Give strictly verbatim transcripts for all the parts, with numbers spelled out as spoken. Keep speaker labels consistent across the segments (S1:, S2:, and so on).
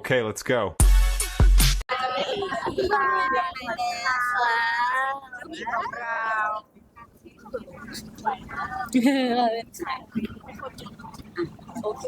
S1: Okay, let's go.
S2: ของเราโอเค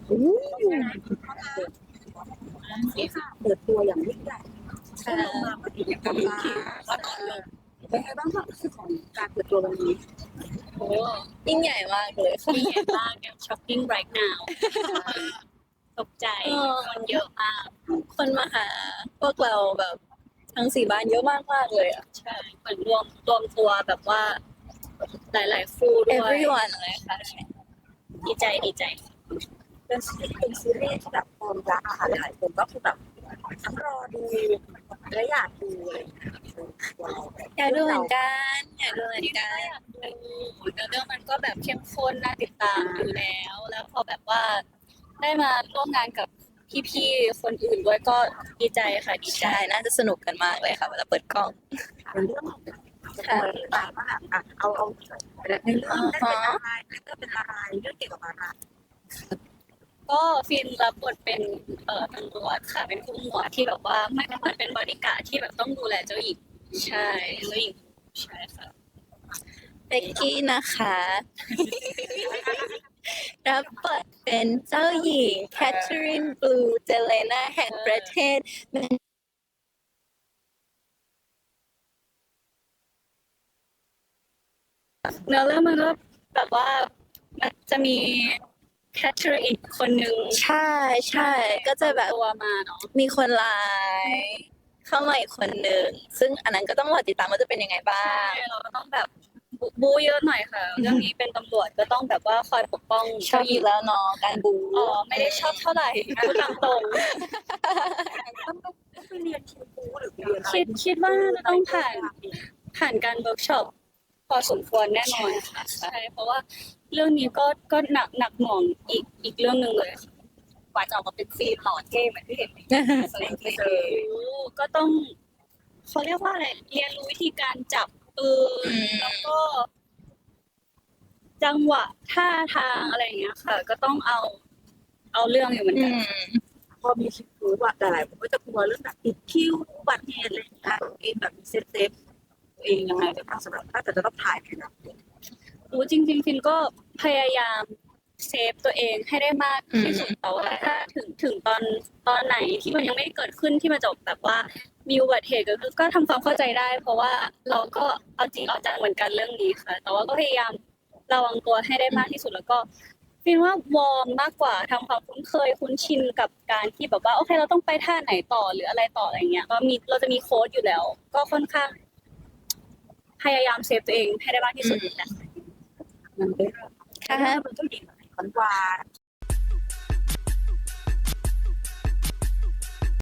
S2: นี่ค่ะเปิดตัวอย่างยิ่งใหญ่ใช่มาปฏิบัติการเป็นไงบ้างความรู้สึกของการเปิดตัววันนี้
S3: โอ้ยิ่งใหญ่มากเลยค่ะยิ่งใหญ่มากแบบ shopping right now ตกใจคนเยอะมากคนมาหาพวกเราแบบทั้งสี่บ้านเยอะมากมากเลยอ่ะใช่เหมือนรวมรวมตัวแบบว่าหลายๆคู่ด้วย everyone เลยค่ะดีใจดีใจ
S2: เป็นซีรีส์เป็นซีรีส์ที่แบบความรักค่ะหลายคนก็คือแบบทั้งรอดูและอยากดูเลย
S3: อยากดูเหมือนกันอยากดูเหมือนกันแล้วเรื่องมันก็แบบเข้มข้นน่าติดตามอยู่แล้วแล้วพอแบบว่าได้มาร่วมงานกับพี่ๆคนอื่นด้วยก็ดีใจค่ะดีใจน่าจะสนุกกันมากเลยค่ะเวลาเปิดกล้อง
S2: เป็นเรื่องของค่ะต่างๆว่าอ่ะเอาเอาในเรื่องได้เป็นอะไรเรื่องเป็นอะไรเรื่องเกี่ยวกับอะไร
S3: ก็ฟินรับบทเป็นเอ่อตำรวจค่ะเป็นผู้หมวดที่แบบว่าไม่ได้เหมือนเป็นบริการที่แบบต้องดูแลเจ้าหญิงใช่เจ้าหญิงใช่ค่ะเบกกี้นะคะรับบทเป็นเจ้าหญิงแคทเธอรีนบลูเจเลนาแห่งประเทศเนื้อเรื่องมันก็แบบว่ามันจะมีแคทเธอรีนอีกคนนึงใช่ใช่ก็จะแบบตัวมาเนาะมีคนร้ายเข้ามาอีกคนนึงซึ่งอันนั้นก็ต้องรอติดตามว่าจะเป็นยังไงบ้างเราก็ต้องแบบบูเยอะหน่อยค่ะเรื่องนี้เป็นตำรวจก็ต้องแบบว่าคอยปกป้องชอบอยู่แล้วเนาะการบูอ๋อไม่ได้ชอบเท่าไหร่พูดตามตรง
S2: ต้องไปเรียนคิวบูหรือเรียน
S3: คิดคิดว่าจะต้องผ่านผ่านการเวิร์กช็อปพอสมควรแน่นอนค่ะใช่เพราะว่าเรื่องนี้ก็ก็หนักหนักหน่วงอีกอีกเรื่องหนึ่งเลยกว่าจะออกมาเป็นซีนหล่อเท่เหมือนที่เห็นก็ต้องเขาเรียกว่าอะไรเรียนรู้วิธีการจับปืนแล้วก็จังหวะท่าทางอะไรอย่างเงี้ยค่ะก็ต้องเอาเอาเรื่องอยู่เหมือนกัน
S2: พอมีคิวบูว่าแต่หลายคนก็จะกลัวเรื่องแบบติดคิวอุบัติเหตุอะไรอย่างเงี้ยเองแบบเซฟเซฟตัวเองยังไงบ้างสำหรับถ้าจะต้องถ่ายนะ
S3: โอ้จริงๆฟินก็พยายามเซฟตัวเองให้ได้มากที่สุดแต่ว่าถ้าถึงถึงตอนตอนไหนที่มันยังไม่เกิดขึ้นที่มันจบแบบว่ามีอุบัติเหตุก็คือก็ทำความเข้าใจได้เพราะว่าเราก็เอาจริงเอาจังเหมือนกันเรื่องนี้ค่ะแต่ว่าก็พยายามระวังตัวให้ได้มากที่สุดแล้วก็ฟินว่าวอร์มมากกว่าทำความคุ้นเคยคุ้นชินกับการที่แบบว่าโอเคเราต้องไปท่าไหนต่อหรืออะไรต่ออะไรเงี้ยก็มีเราจะมีโค้ดอยู่แล้วก็ค่อนข้างพยายามเซฟตัวเองให้ได้มากที่สุดนะ
S2: มันเป็นค่ะมันก็ดีหวาน